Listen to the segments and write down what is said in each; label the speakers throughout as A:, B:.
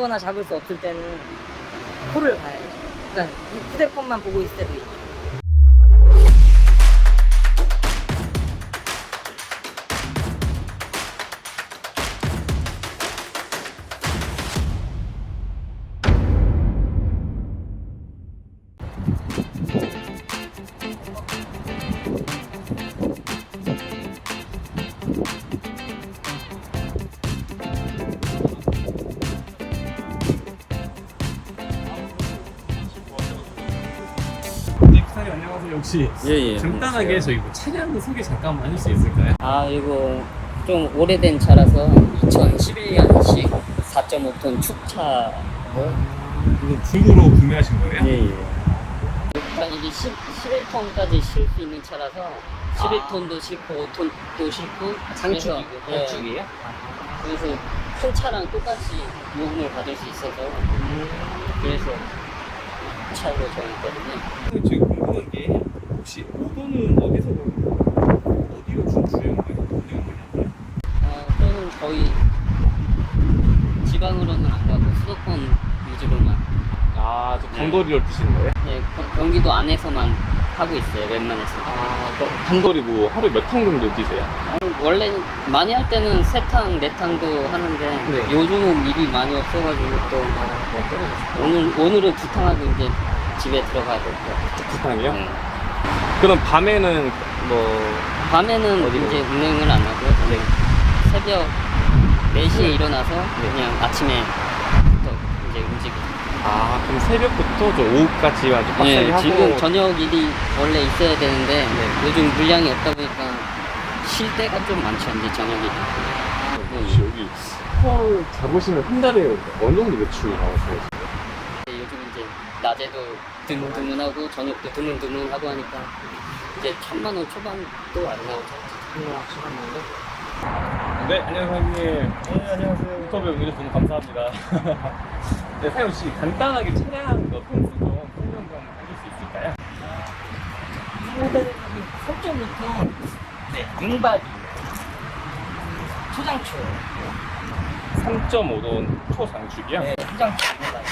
A: 아무거나 잡을 수 없을 때는 코를 봐야죠. 그러니까 휴대폰만 보고 있을 때도 있죠.
B: 사장님 안녕하세요. 혹시
C: 예.
B: 간단하게 저희 뭐 차량 소개 잠깐만 해줄 수 있을까요?
A: 아, 이거 좀 오래된 차라서 2011년식 4.5톤 축차.
B: 이거 중고로 구매하신 거예요?
C: 예.
A: 일단 이게 11톤까지 실 수 있는 차라서 11톤도 싣고 5톤도 싣고
C: 장축이고
A: 그래서,
C: 단축이에요?
A: 그래서 큰 차랑 똑같이 요금을 받을 수 있어서 그래서 차로 정했거든요.
B: 지금 궁금한 게 혹시 오도는 어디서 어디로 주행하나요?
A: 또는 거의 지방으로는 안 가고 수도권 위주로만.
B: 아, 저 단거리를 뛰시는 거예요?
A: 네, 경기도 안에서만 하고 있어요. 웬만해서.
B: 단거리 뭐 하루에 몇 趟 정도 뛰세요?
A: 원래 많이 할 때는 3탕, 4탕도 하는데
B: 네.
A: 요즘은 일이 많이 없어가지고 또 오늘은 2탕 하고 이제 집에 들어가야 될 것 같아요.
B: 2탕이요?
A: 네.
B: 그럼 밤에는 뭐
A: 밤에는
B: 어디로?
A: 이제 운행을 안 하고요.
B: 네.
A: 새벽 4시에 일어나서 그냥 아침에부터 이제 움직여요.
B: 아, 그럼 새벽부터 저 오후까지 아주 빡세게
A: 네,
B: 하고
A: 지금 저녁 일이 원래 있어야 되는데
B: 네.
A: 요즘 물량이 없다 보니까 쉴 때가 좀 많죠. 이제 저녁이.
B: 혹시 여기 헐 잡으시면 한 달에 어느 정도 매출 나오세요?
A: 요즘 이제 낮에도 드문드문하고 저녁도 드문드문하고 하니까 이제 1,000만 원 초반도 안 나오죠. 1,000만 원 초반 정도?
B: 네, 안녕하세요 사장님. 네, 안녕하세요. 인터뷰 응해주셔서 너무 감사합니다. 네, 사장님 혹시 간단하게 차량 몇 평수 좀 설명 좀 해줄 수 있을까요?
A: 모델이 3.5톤 윙바디 초장추.
B: 3.5톤 초장축이요?
A: 네, 초장추 윙바디.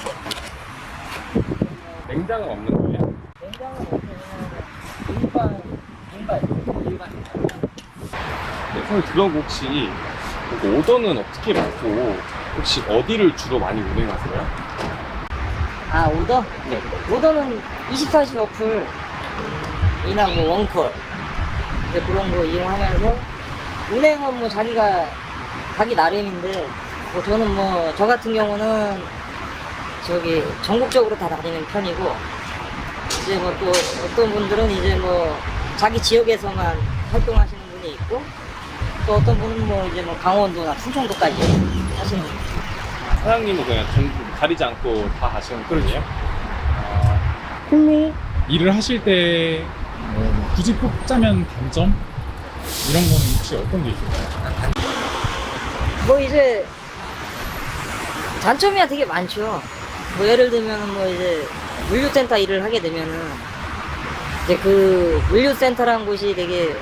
B: 냉장은 없는 거예요?
A: 냉장은 없으면 윙바디.
B: 네, 사장님 그럼 혹시 오더는 어떻게 받고 혹시 어디를 주로 많이 운행하세요?
A: 아, 오더? 네. 오더는 24시 어플 이나 뭐 원콜 이제 그런 거 이용하면서 운행은 뭐 자기가 가기 나름인데 뭐 저는 뭐 저 같은 경우는 저기 전국적으로 다 다니는 편이고 이제 뭐 또 어떤 분들은 이제 뭐 자기 지역에서만 활동하시는 분이 있고 또 어떤 분은 뭐 이제 뭐 강원도나 충청도까지 하시는 분.
B: 사장님은 그냥 전부 가리지 않고 다 하시는 편이에요?
D: 홀로 일을 하실 때 굳이 뽑자면 단점? 이런 거는 혹시 어떤 게 있을까요?
A: 뭐 이제 단점이야 되게 많죠. 뭐 예를 들면은 뭐 이제 물류센터 일을 하게 되면은 이제 그 물류센터라는 곳이 되게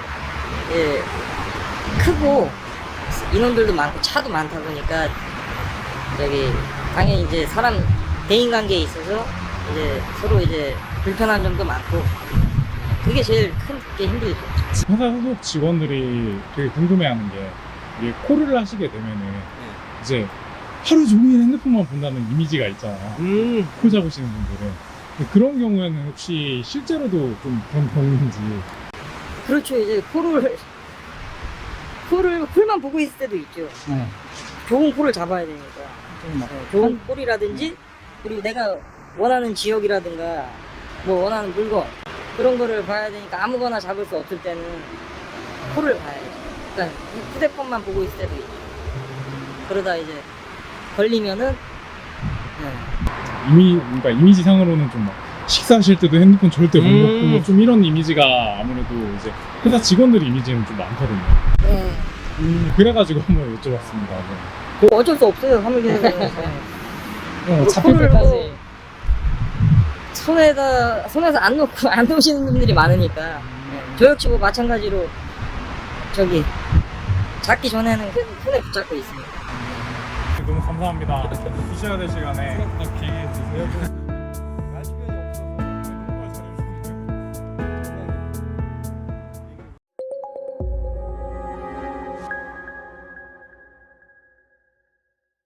A: 크고 인원들도 많고 차도 많다 보니까 저기 당연히 이제 사람 대인 관계에 있어서 이제 서로 이제 불편한 점도 많고 그게 제일 큰 게 힘들죠.
D: 회사 소속 직원들이 되게 궁금해하는 게 이게 콜을 하시게 되면은 이제 하루 종일 핸드폰만 본다는 이미지가 있잖아요. 콜 잡으시는 분들은. 근데 그런 경우에는 혹시 실제로도 좀 그런 경우인지.
A: 그렇죠. 이제 콜만 보고 있을 때도 있죠. 좋은 콜을 잡아야 되니까. 좋은 콜이라든지 그리고 내가 원하는 지역이라든가 뭐 원하는 물건 그런 거를 봐야 되니까 아무거나 잡을 수 없을 때는 콜을 봐야죠. 그러니까 휴대폰만 보고 있을 때도 있죠. 그러다 이제 걸리면은
D: 그러니까 이미지상으로는 좀 막 식사하실 때도 핸드폰 절대 못 놓고 좀 이런 이미지가 아무래도 이제 회사 직원들 이미지는 좀 많거든요. 그래가지고 한번 여쭤봤습니다.
A: 뭐 어쩔 수 없어요. 화물기사는
D: 잡힐
A: 콜을
D: 때까지.
A: 뭐 손에서 안 놓으시는 분들이 많으니까 저 역시 뭐 마찬가지로 저기 잡기 전에는 계속 손에 붙잡고 있습니다.
D: 너무 감사합니다. 드셔야 될 시간에 딱 기회 주세요.